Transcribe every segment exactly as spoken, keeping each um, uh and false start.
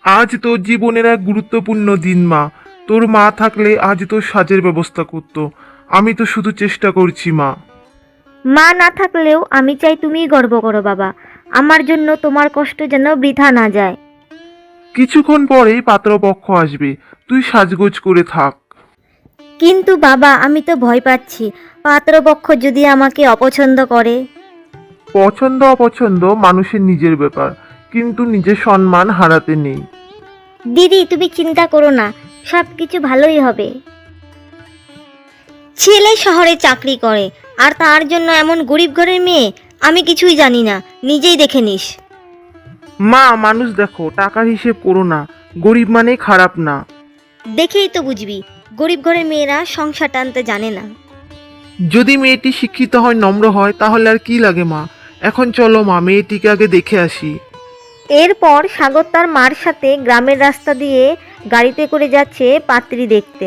আজ তোর জীবনের এক গুরুত্বপূর্ণ দিন মা। তোর মা থাকলে আজ তোর সাজের ব্যবস্থা করতো। আমি তো শুধু চেষ্টা করছি মা। মা না থাকলেও আমি চাই তুমিই গর্ব করো বাবা। আমার জন্য তোমার কষ্ট যেন বৃথা না যায়। কিছুক্ষণ পরেই পাত্রপক্ষ আসবে, তুই সাজগোজ করে থাক। কিন্তু বাবা আমি তো ভয় পাচ্ছি, পাত্রপক্ষ যদি আমাকে অপছন্দ করে। পছন্দ অপছন্দ মানুষের নিজের ব্যাপার, কিন্তু নিজের সম্মান হারাতে নেই। দিদি তুমি চিন্তা করো না, সব কিছু ভালোই হবে। ছেলে শহরে চাকরি করে আর তার জন্য এমন গরিব ঘরের মেয়ে। আমি কিছুই জানি না, নিজেই দেখে নিস। মা, মানুষ দেখো, টাকার হিসেব করো না। গরিব মানে খারাপ না। দেখেই তো বুঝবি, গরিব ঘরের মেয়েরা সংসার টানতে জানে না। যদি মেয়েটি শিক্ষিত হয়, নম্র হয়, তাহলে আর কি লাগে মা। এখন চলো মা, মেয়েটিকে আগে দেখে আসি। এরপর সাগর তার মার সাথে গ্রামের রাস্তা দিয়ে গাড়িতে করে যাচ্ছে পাত্রী দেখতে।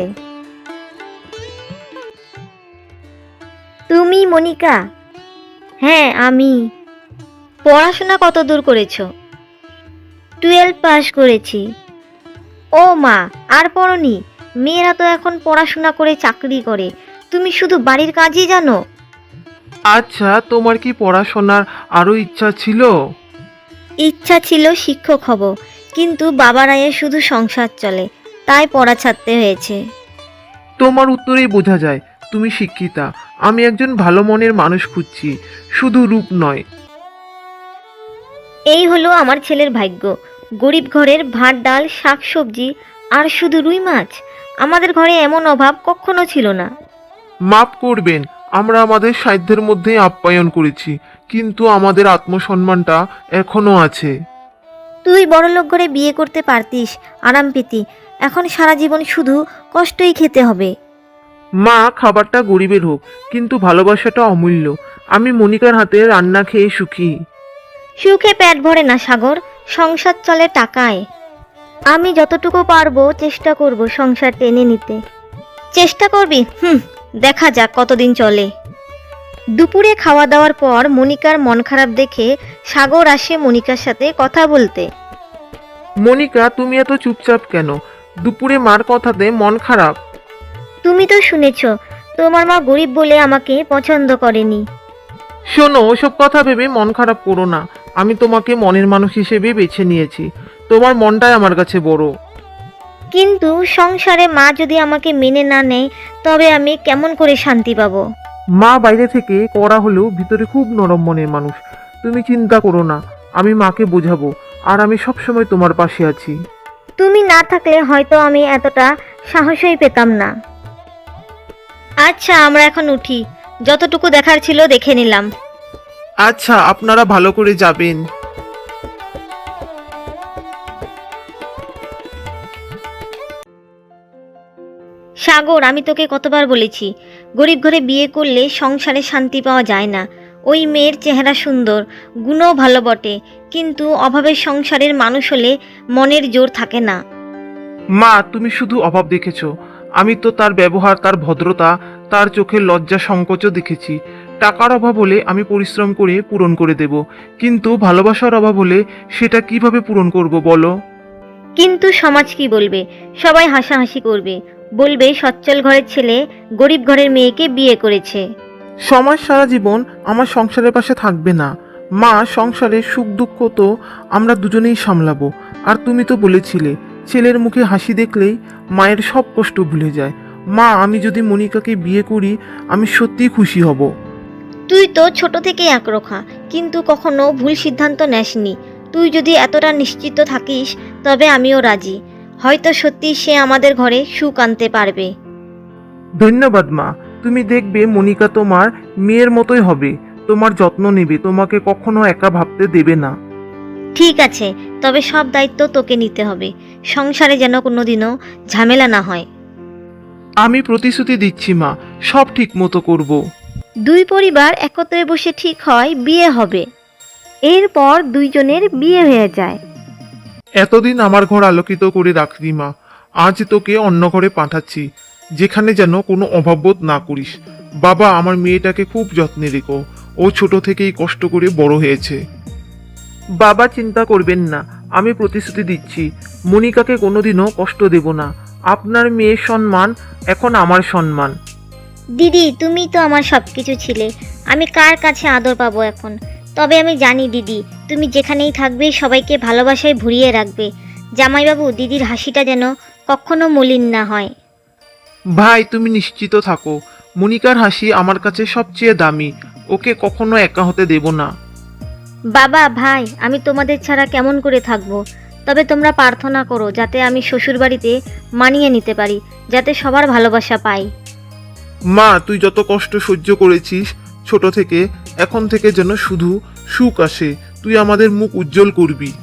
তুমি মনিকা? হ্যাঁ আমি। পড়াশোনা কত দূর করেছো? টুয়েলভ পাস করেছি। ও মা, আর পড়নি? মেয়েরা তো এখন পড়াশোনা করে চাকরি করে, তুমি শুধু বাড়ির কাজই জানো? আচ্ছা, তোমার কি পড়াশোনার আরো ইচ্ছা ছিল? ইচ্ছা ছিল শিক্ষক হব, কিন্তু বাবার আয়ে শুধু সংসার চলে, তাই পড়া ছাড়তে হয়েছে। তোমার উত্তরেই বোঝা যায় তুমি শিক্ষিতা। আমি একজন ভালো মনের মানুষ খুঁজছি, শুধু রূপ নয়। এই হলো আমার ছেলের ভাগ্য। গরিব ঘরের ভাত ডাল শাক সবজি আর শুধু রুই মাছ। আমাদের ঘরে এমন অভাব কখনো ছিল না। মাফ করবেন, আমরা আমাদের সাধ্যের মধ্যেই আপ্যায়ন করেছি, কিন্তু আমাদের আত্মসম্মানটা এখনো আছে। তুই বড়লোক ঘরে বিয়ে করতে পারতিস, আরাম পেতি। এখন সারা জীবন শুধু কষ্টই খেতে হবে। মা, খাবারটা গরিবের হোক, কিন্তু ভালোবাসাটা অমূল্য। আমি মনিকার হাতে রান্না খেয়ে সুখী। সুখে পেট ভরে না সাগর, সংসার চলে টাকায়। আমি যতটুকু পারবো চেষ্টা করব সংসার টেনে নিতে। চেষ্টা করবি? হুম, দেখা যাক কতদিন চলে। দুপুরে খাওয়া দাওয়ার পর মনিকার মন খারাপ দেখে সাগর আসে মনিকার সাথে কথা বলতে। মনিকা, তুমি এত চুপচাপ কেন? দুপুরে মার কথাতে মন খারাপ? তুমি তো শুনেছ, তোমার মা গরিব বলে আমাকে পছন্দ করেনি। শোনো, ওসব কথা ভেবে মন খারাপ করো না। আমি তোমাকে মনের মানুষ হিসেবে বেছে নিয়েছি। তোমার মনটাই আমার কাছে বড়। কিন্তু সংসারে মা যদি আমাকে মেনে না নেয়, তবে আমি কেমন করে শান্তি পাবো? মা বাইরে থেকে কড়া হলেও ভিতরে খুব নরম মনের মানুষ। তুমি চিন্তা করো না, আমি মাকে বোঝাবো। আর আমি সবসময় তোমার পাশে আছি। তুমি না থাকলে হয়তো আমি এতটা সাহসই পেতাম না। আচ্ছা আমরা এখন উঠি, যতটুকু দেখার ছিল দেখে নিলাম। আচ্ছা, আপনারা ভালো করে যাবেন। সাগর, আমি তোকে কতবার বলেছি, গরিব ঘরে বিয়ে করলে সংসারে শান্তি পাওয়া যায় না। ওই মেয়ের চেহারা সুন্দর, গুণও ভালো বটে, কিন্তু অভাবের সংসারের মানুষ হলে মনের জোর থাকে না। মা, তুমি শুধু অভাব দেখেছো। আমি তো তার ব্যবহার, তার ভদ্রতা, তার চোখের লজ্জা সংকোচও দেখেছি। টাকার অভাব হলে আমি পরিশ্রম করে পূরণ করে দেব, কিন্তু ভালোবাসার অভাব হলে সেটা কিভাবে পূরণ করব বলো? কিন্তু সমাজ কি বলবে? সবাই হাসাহাসি করবে, বলবে সচ্ছল ঘরের ছেলে গরিব ঘরের মেয়েকে বিয়ে করেছে। সমাজ সারা জীবন আমার সংসারের পাশে থাকবে না। মা, সংসারের সুখ দুঃখ তো আমরা দুজনেই সামলাবো। আর তুমি তো বলেছিলে, ছেলের মুখে হাসি দেখলেই মায়ের সব কষ্ট ভুলে যায়। মা, আমি যদি মনিকাকে বিয়ে করি, আমি সত্যিই খুশি হব। তুই তো ছোট থেকেই একরোখা, কিন্তু কখনো ভুল সিদ্ধান্ত নেসনি। তুই যদি এতটা নিশ্চিত থাকিস, তবে আমিও রাজি। হয়তো সত্যি সে আমাদের ঘরে সুখ আনতে পারবে। ধন্যবাদ মা। তুমি দেখবে মনিকা তোমার মেয়ের মতোই হবে, তোমার যত্ন নেবে, তোমাকে কখনো একা ভাবতে দেবে না। ঠিক আছে, তবে সব দায়িত্ব তোকে নিতে হবে। সংসারে যেন কোনোদিনও ঝামেলা না হয়। আমি প্রতিশ্রুতি দিচ্ছি মা, সব ঠিক মতো করব। দুই পরিবার একত্রে বসে ঠিক হয় বিয়ে হবে। এরপর দুইজনের বিয়ে হয়ে যায়। এতদিন আমার ঘর আলোকিত করে রাখলি মা, আজ তোকে অন্য ঘরে পাঠাচ্ছি, যেখানে যেন কোনো অভাববোধ না করিস। বাবা, আমার মেয়েটাকে খুব যত্নে রেখো, ও ছোট থেকেই কষ্ট করে বড় হয়েছে। বাবা, চিন্তা করবেন না, আমি প্রতিশ্রুতি দিচ্ছি, মনিকাকে কোনোদিনও কষ্ট দেব না। আপনার মেয়ের সম্মান এখন আমার সম্মান। দিদি তুমি তো আমার সব কিছু ছিলে, আমি কার কাছে আদর পাবো এখন? তবে আমি জানি দিদি, তুমি যেখানেই থাকবে সবাইকে ভালোবাসায় ভরিয়ে রাখবে। জামাইবাবু, দিদির হাসিটা যেন কখনো মলিন না হয়। ভাই, তুমি নিশ্চিত থাকো, মনিকার হাসি আমার কাছে সবচেয়ে দামি। ওকে কখনো একা হতে দেব না। বাবা, ভাই, আমি তোমাদের ছাড়া কেমন করে থাকবো? তবে তোমরা প্রার্থনা করো যাতে আমি শ্বশুরবাড়িতে মানিয়ে নিতে পারি, যাতে সবার ভালোবাসা পাই। মা, তুই যত কষ্ট সহ্য করেছিস ছোট থেকে, এখন থেকে যেন শুধু সুখ আসে। তুই আমাদের মুখ উজ্জ্বল করবি।